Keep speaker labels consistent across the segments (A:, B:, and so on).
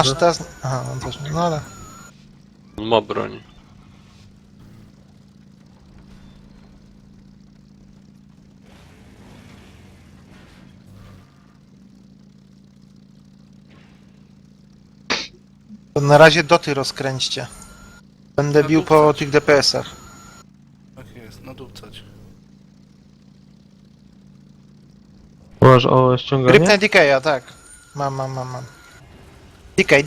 A: Masz teraz... Aha, on też... No ale...
B: Ma broń.
A: To na razie doty rozkręćcie. Będę bił po tych DPS-ach.
C: Tak jest, nadupcać.
D: Masz o ściąganie?
A: Grypnę Decaya, tak. Mam. Decay.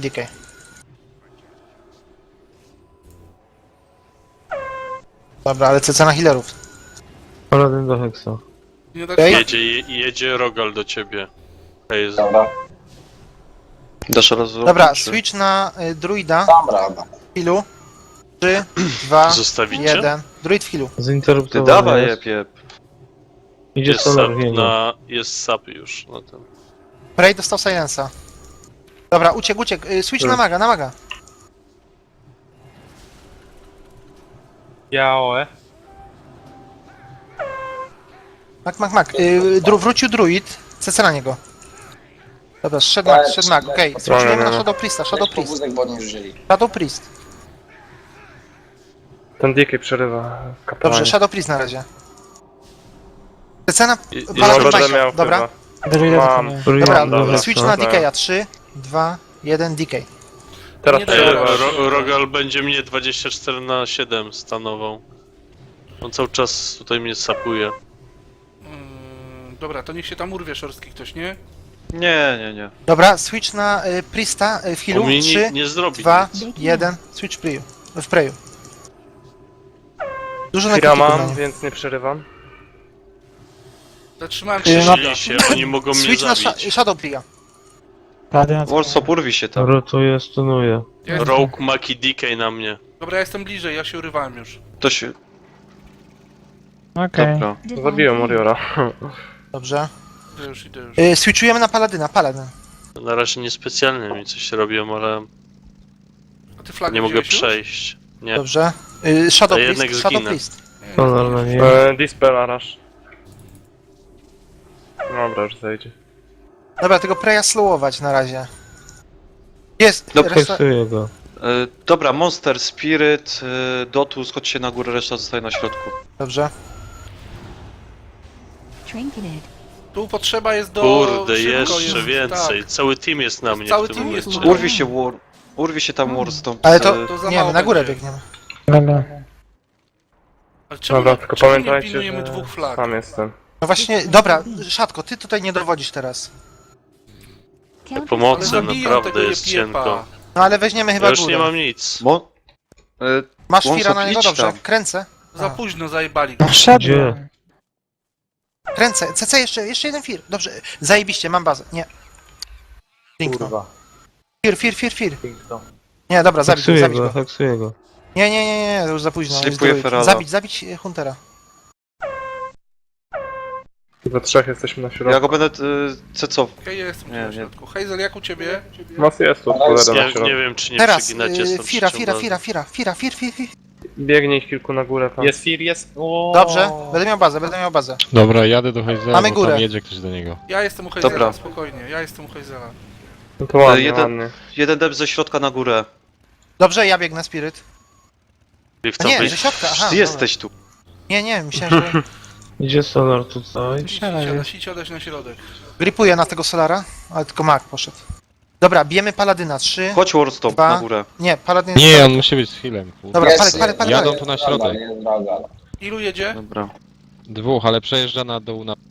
A: Dobra, ale CC na healerów.
D: Paladin do Hexa.
C: Nie tak
A: Okej.
B: Jedzie Rogal do ciebie. Hej,
E: Dobra,
F: Dasz raz
A: Dobra, switch na druida.
E: dam radę.
A: W healu. 3, 2,
B: Zostawicie?
A: 1. Druid w healu.
F: Ty
D: Zinterruptowany
F: dawaj,
D: jest.
F: jeb.
D: Idzie
B: Jest
D: Solar
B: sap,
D: Wiego.
B: jest sap już na tym.
A: Prey dostał silensa. Dobra, uciekł. Switch na maga.
G: Jaoe.
A: Mak. Wrócił druid. CC na niego. Dobra, szedł mag, okej. Switchujemy na Shadow Priesta, Shadow Priest.
E: Wózek, bo nie wzięli.
A: Shadow Priest.
G: Ten DK przerywa kapłanie.
A: Dobrze, Shadow Priest na razie. CC na
B: I
A: Paladin
G: będę
A: Bajka.
G: miał
A: Dobra,
G: Mam.
A: dobra,
D: Dobra,
A: switch na Decaya. 3, 2, 1, Decay.
G: Teraz
C: Nie
G: przerywa.
B: Rogal będzie mnie 24/7 stanował. On cały czas tutaj mnie sapuje.
C: Dobra, to niech się tam urwie szorstki ktoś, nie?
F: Nie.
A: Dobra, switch na Priesta w healu.
B: On mi
A: 3,
B: nie zrobi
A: 2,
B: nic.
A: 1, switch w Preju. Dużo na
G: Kira
A: kritiku
G: mam,
A: na nim.
G: więc nie przerywam.
C: Zatrzymałem
B: Krzyżyli się, oni mogą mnie
A: Switch na
B: zabić.
A: Shadow Priya.
F: Warsaw, urwi się tam.
D: Rotuje, stunuje.
C: Ja jestem...
B: Rogue, Maki, DK na mnie.
C: Dobra, ja jestem bliżej, ja się urywałem już.
F: To się...
H: Okej.
F: Dobra.
G: Zabiłem Warriora.
A: Dobrze.
C: Idę już.
A: Switchujemy na Paladyna, Paladyn.
B: Na razie niespecjalnie mi coś robią, ale
C: A ty flagę
B: nie mogę
C: wziąłeś już?
B: przejść. Nie.
A: Dobrze. Shadow
B: A jednak
A: Priest, Shadow
B: zginę.
A: Priest.
D: Solar na niej.
G: Dispel Arash. Dobra, już zejdzie.
A: Dobra, tego Preya slowować na razie. Jest,
F: Dobra,
A: reszta...
D: Hexuje go.
F: Dobra, Monster, Spirit, Dotus, chodźcie na górę, reszta zostaje na środku.
A: Dobrze.
H: Trinketed.
C: Tu potrzeba jest do...
B: Kurde,
C: szybko
B: jeszcze
C: jest,
B: więcej.
C: Tak.
B: Cały team jest na mnie
C: Cały
B: w tym
C: team jest
B: momencie.
C: u-
F: Urwi się tam War stąd.
A: Ale to,
C: To za
A: nie,
C: mało
A: my na górę
C: będzie.
A: biegniemy.
H: Dobra.
C: Ale czemu,
G: Dobra, tylko
C: czemu nie
G: pamiętajcie,
C: pilnujemy
G: że
C: dwóch flag?
G: sam jestem.
A: No właśnie, dobra, Szatko, ty tutaj nie dowodzisz teraz.
C: Ale
B: Pomocy
C: zabiją
B: naprawdę
C: tego
B: jest
C: jepiepa.
B: cienko.
A: No ale weźmiemy chyba
B: Ja już
A: górę.
B: nie mam nic.
A: Masz
F: Wąsok,
A: Fira na niego?
F: idź
A: Dobrze,
F: tam.
A: kręcę.
C: Za późno zajebali go.
D: Gdzie?
A: Kręcę, CC jeszcze jeden Fir. Dobrze, zajebiście, mam bazę. Nie. Piękno. Fir. Nie, dobra, zabić
D: Heksuje
A: go.
D: go, heksuje go.
A: Nie, to już za późno. jest
F: Slipuję
A: druid.
F: Ferala.
A: Zabić Huntera.
G: Tylko trzech jesteśmy na środku.
F: Ja go będę cecował.
C: Okej, ja jestem
F: Nie,
C: na
F: nie.
C: środku. Hazel, jak u ciebie?
G: Was jest tu, cholera na
B: Nie
G: środku.
B: wiem, czy nie
A: Teraz,
B: przeginacie stąd
A: Fira.
B: ściągamy.
G: Biegnie ich kilku na górę tam.
I: Jest Fir, jest. O.
A: Dobrze, będę miał bazę.
I: Dobra, jadę do Hejzela,
A: Mamy
I: bo
A: górę.
I: tam jedzie ktoś do niego.
C: Ja jestem u Hazela,
F: Dobra.
C: spokojnie. Ja jestem u Hazela.
G: No to ładnie,
F: Jeden-
G: ładnie.
F: Jeden dep ze środka na górę.
A: Dobrze, ja biegnę Spirit.
B: I w
A: A
B: co
A: nie,
B: wyjść?
A: ze środka, aha.
F: Ty jesteś tu.
A: Nie, myślałem, że...
D: Idzie Solar tutaj.
C: Siadać na środek.
A: Gripuję na tego Solara, ale tylko Mag poszedł. Dobra, bijemy Paladyna. 3.
F: Chodź Warstop
A: Dwa.
F: na górę.
A: Nie, Paladyn
I: Nie,
A: jest...
I: on musi być z healem. kurde.
A: Dobra,
E: Jest,
A: palę.
I: Jadą tu na środek.
E: Jest droga.
C: Ilu jedzie?
F: Dobra.
I: Dwóch, ale przejeżdża na dół na...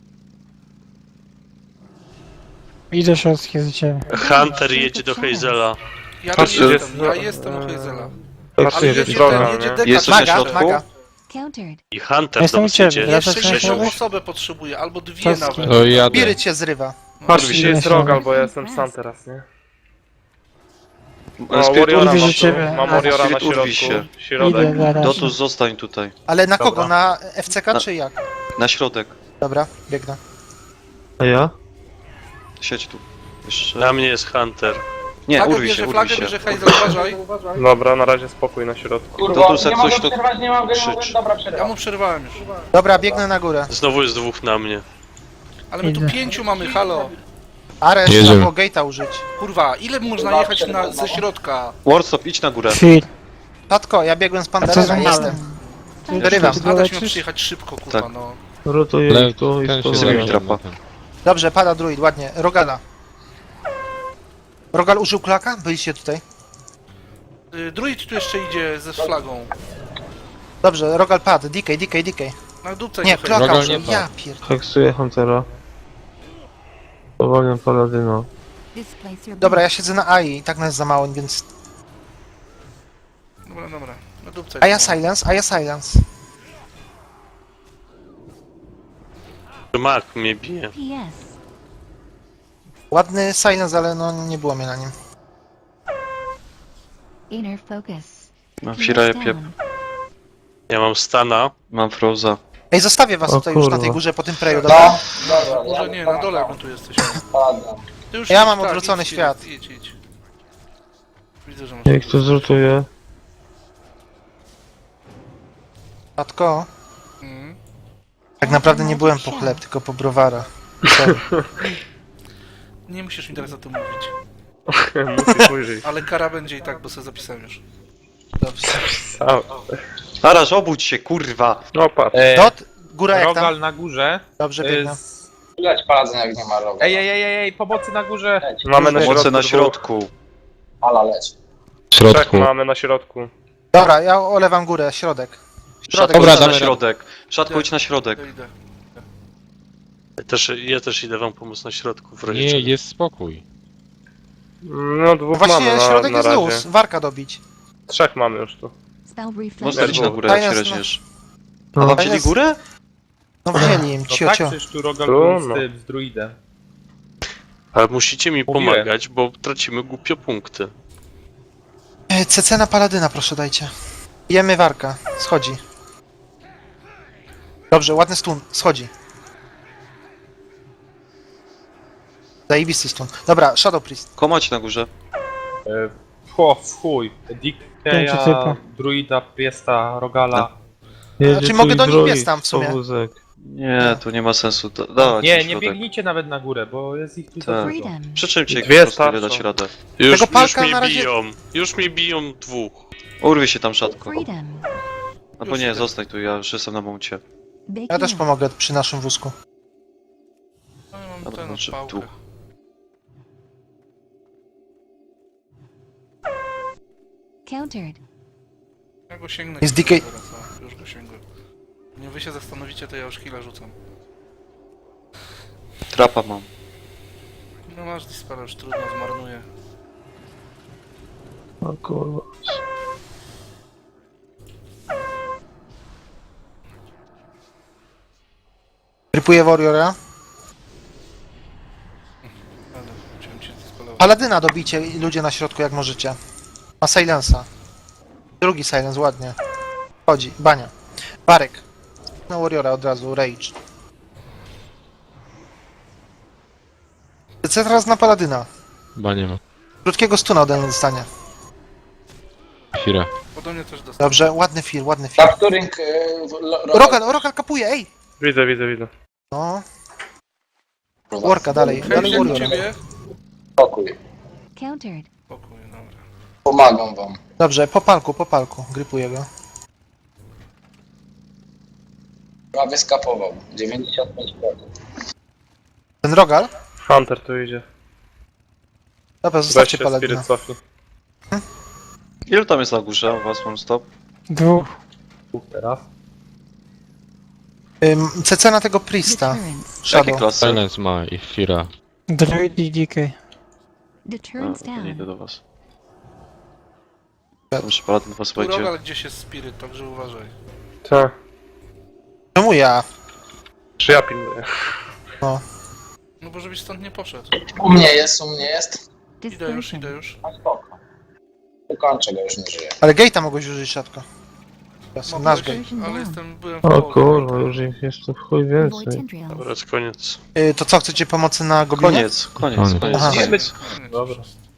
H: Idę szorstkie za ciebie.
B: Hunter jedzie do Hazela.
C: Ja tu
G: Patrzcie,
C: jestem, ja
G: jest-
C: jestem u Hazela.
G: Heksuje
C: Ale
G: się
C: jedzie
G: droga,
C: ten, jedzie
G: nie?
C: Dekat.
F: Jesteś na
A: Maga,
F: środku?
A: Maga.
H: Countered.
B: I Hunter
H: Jestem
B: do
H: u
B: was
H: ciebie,
B: idzie.
H: ja
C: Jeszcze
H: też
B: Grzesiu.
C: jedną
H: Grzesiu.
C: osobę potrzebuję, albo dwie
H: Czas-
C: nawet.
I: To jadę.
A: Spirit cię zrywa.
G: Patrzcie,
H: Idę
G: jest
H: na środek.
G: Rogal, bo ja jestem sam teraz, nie? O,
F: Spirit
G: Warriora
H: urwi
G: mam
H: się ciebie.
G: tu. Mam Warriora na
F: Spirit urwi
G: środku.
F: się.
G: Środek.
H: Idę zaraz.
F: Dotus zostań tutaj.
A: Ale na kogo?
G: Dobra.
A: Na FCK
F: Na-
A: czy jak?
F: Na środek.
A: Dobra, biegnę.
D: A ja?
F: Siedź tu. Jeszcze.
B: Na mnie jest Hunter.
F: Nie,
C: Flagę
F: urwi się,
C: bierze,
F: urwi
C: flagę
F: się.
C: bierze Hazel, uważaj.
G: Dobra, na razie spokój na środku.
E: Kurwa,
F: Dotus, jak
E: nie mogę
F: coś to
E: przerwać, nie mogę,
F: krzycz.
E: dobra,
C: Ja
E: przerywam.
C: mu przerwałem już.
A: Dobra, biegnę na górę.
B: Znowu jest dwóch na mnie.
C: Ale my tu
H: Idę.
C: 5 mamy, halo.
A: Ares,
I: Jedziemy.
A: trzeba było gate'a użyć.
C: Kurwa, ile można jechać ze środka?
F: Warstop, idź na górę.
H: Fit.
A: Tatko, ja biegłem z
H: A co
A: Panterem,
H: za
A: jestem.
H: małe?
A: Wyrywam.
C: Adaś miał przyjechać szybko, kurwa,
F: Tak.
C: no.
D: Rotuję
I: Ale
D: ich tu i
I: ten się
F: Zrobić
D: stunuję.
I: zajmie
F: trapa.
I: ten.
A: Dobrze, pada druid, ładnie. Rogala. Rogal użył klaka? Byliście tutaj.
C: Druid tu jeszcze idzie ze flagą.
A: Dobrze, Rogal padł. DK.
C: Na dupce
A: Nie,
C: go
A: klaka
I: Rogal
A: użył.
I: nie padł.
A: Ja pierd...
D: Heksuję Huntera. Powolniam Paladyna.
H: Displace your
A: Dobra, ja siedzę na AI i tak nas za mało, więc...
C: Dobra. Na dupce
A: Aya
C: go.
A: silence.
B: Mak mnie bije.
H: PS.
A: Ładny silence, ale no nie było mnie na nim.
H: Inner focus.
F: Mam
H: PS
F: Fira,
H: down.
F: piep.
B: Ja mam Stana.
F: Mam Froza.
A: Ej, zostawię was
D: O
A: tutaj już na
D: kurwa.
A: tej górze po tym preju, dobra?
C: Może nie, na dole my tu jesteśmy. Ty już
A: Ja
C: idź,
A: mam
C: tak,
A: odwrócony
C: idź,
A: świat.
C: Idź. Widzę, że masz...
D: Ja ich tu zrutuję.
A: Tatko,
C: Mhm.
A: tak naprawdę nie byłem po chleb, tylko po browara. Sorry.
C: Nie musisz mi teraz o tym mówić.
G: Musisz ujrzeć.
C: Ale kara będzie i tak, bo sobie zapisałem już.
A: Dobrze.
G: Sam.
F: Araż, obudź się, kurwa!
G: No patrz.
A: Dot, góra jak tam?
E: Rogal na górze.
A: Dobrze, biegnę.
J: Leć palacem jak nie ma rogu.
E: Ej, pomocy na górze.
G: Mamy na
F: Moce
G: środku.
F: na
G: dwóch.
F: środku.
J: Ala leć.
I: W
G: Trzech
I: środku.
G: mamy na środku.
A: Dobra, ja olewam górę, środek.
F: Szatko,
I: Dobra,
F: idź na
I: damy
F: środek. Szatko, idź na środek.
C: Ja idę.
B: Ja też idę wam pomóc na środku w razie
I: Nie,
B: czego.
I: jest spokój.
G: No dwóch
A: Właśnie
G: mamy
A: środek
G: na
A: jest
G: razie.
A: luz, warka dobić.
G: Trzech mamy już tu.
H: Spell reflex.
F: Monster, idź na górę,
A: Fajne
F: jak się
A: jest, no.
F: reźniesz.
D: No.
F: A wam
A: Fajne
F: wzięli
A: jest-
F: górę?
A: No wzięli im,
E: No
A: cio,
E: tak,
A: cio.
E: przecież tu Rogal
G: Tu,
E: był
G: no.
E: z druidem.
B: Ale musicie mi
E: Mówiłem.
B: pomagać, bo tracimy głupio punkty.
A: CC na paladyna, proszę dajcie. Jemy warka, schodzi. Dobrze, ładny stun, schodzi. Zajebisty stun. Dobra, Shadow Priest.
F: Komać na górze.
E: W chuj.
H: Pięciu
E: Dickeya,
H: typa.
E: druida, Priesta, Rogala.
D: Jedzie
A: Znaczy,
D: tu
A: mogę
D: i
A: do nich
D: druid,
A: biec tam w sumie.
D: powózek.
F: Nie, tu nie ma sensu. Dawać
E: Nie,
F: na
E: nie
F: środek.
E: biegnijcie nawet na górę, bo jest ich tu za
F: Tak.
E: dużo.
H: Freedom.
F: Przy czym cię
G: Dwie
F: po prostu
G: starczą.
F: nie dać radę.
B: Już
A: palka
B: mnie
A: na razie-
B: biją. Już mnie biją dwóch.
F: Urwij się tam, szatko.
H: Freedom.
F: Albo nie, zostań tu, ja już jestem na momencie.
H: Big
A: Ja też
H: move.
A: pomogę przy naszym wózku.
C: No ja mam
F: Dobra,
C: tę
F: znaczy
C: pałkę.
F: tu.
H: Countered.
C: Ja go sięgnę.
A: Jest
C: chwilę
A: DK.
C: teraz, o, już go sięgłem. Nie wy się zastanowicie, to ja już killa rzucam.
F: Trapa mam.
C: No masz dispara, już trudno, zmarnuję.
D: O kurwa.
A: Krypuję Warriora.
C: Ale chciałem cię dispalować.
A: Paladyna dobijcie ludzie na środku jak możecie. Ma silensa. Drugi silence, ładnie. Chodzi, bania. Barek. Na Warriora od razu, rage. Lecę teraz na Paladyna.
I: Chyba nie ma.
A: Krótkiego stuna ode mnie dostanie.
I: Fira.
C: Ode mnie też dostał.
A: Dobrze, ładny feel, ładny feel.
J: Factoring...
A: Rogal kapuje, ej!
G: Widzę.
A: No, worka dalej, dalej
C: Hej, u
A: Warrior.
C: ciebie?
J: Spokój.
H: Countered.
C: Spokój, dobra.
J: Pomagam wam.
A: Dobrze, po palku, grypuję go.
J: Prawie skapował. 95%.
A: Ten Rogal?
G: Hunter tu idzie.
A: Dobra,
G: Weź
A: zostawcie
G: się,
A: Paladyna.
G: Spirit cofnij.
F: Ilu tam jest na górze u was, mam stop?
H: Dwóch.
E: Teraz.
A: CC na tego Priesta.
H: Deterrence.
F: Jakie
A: Shadow.
F: klasy?
I: Silence ma i Fira.
H: Druid i DK.
F: A,
H: Deterrence
F: to nie idę
H: down.
F: do was. Muszę paladyn was
C: Tu
F: będzie.
C: Rogal gdzieś jest spirit, także uważaj.
G: Tak.
A: Czemu ja?
G: Czy ja pilnuję?
C: No bo żebyś stąd nie poszedł.
J: U mnie jest.
C: Idę już.
J: A spoko. Ukończę go, już nie żyje.
A: Ale gate'a mogłeś użyć, szatko. Nasz
C: Mogłeś,
A: gate.
C: ale byłem w
D: O
C: połowie.
D: kurwa, już ich jest tu w chuj
H: Void
D: więcej.
H: tendrils.
B: Dobra, to koniec.
A: To co, chcecie pomocy na goblinie?
F: Koniec.
A: Aha.
F: Koniec.
C: Koniec.
E: Dobra.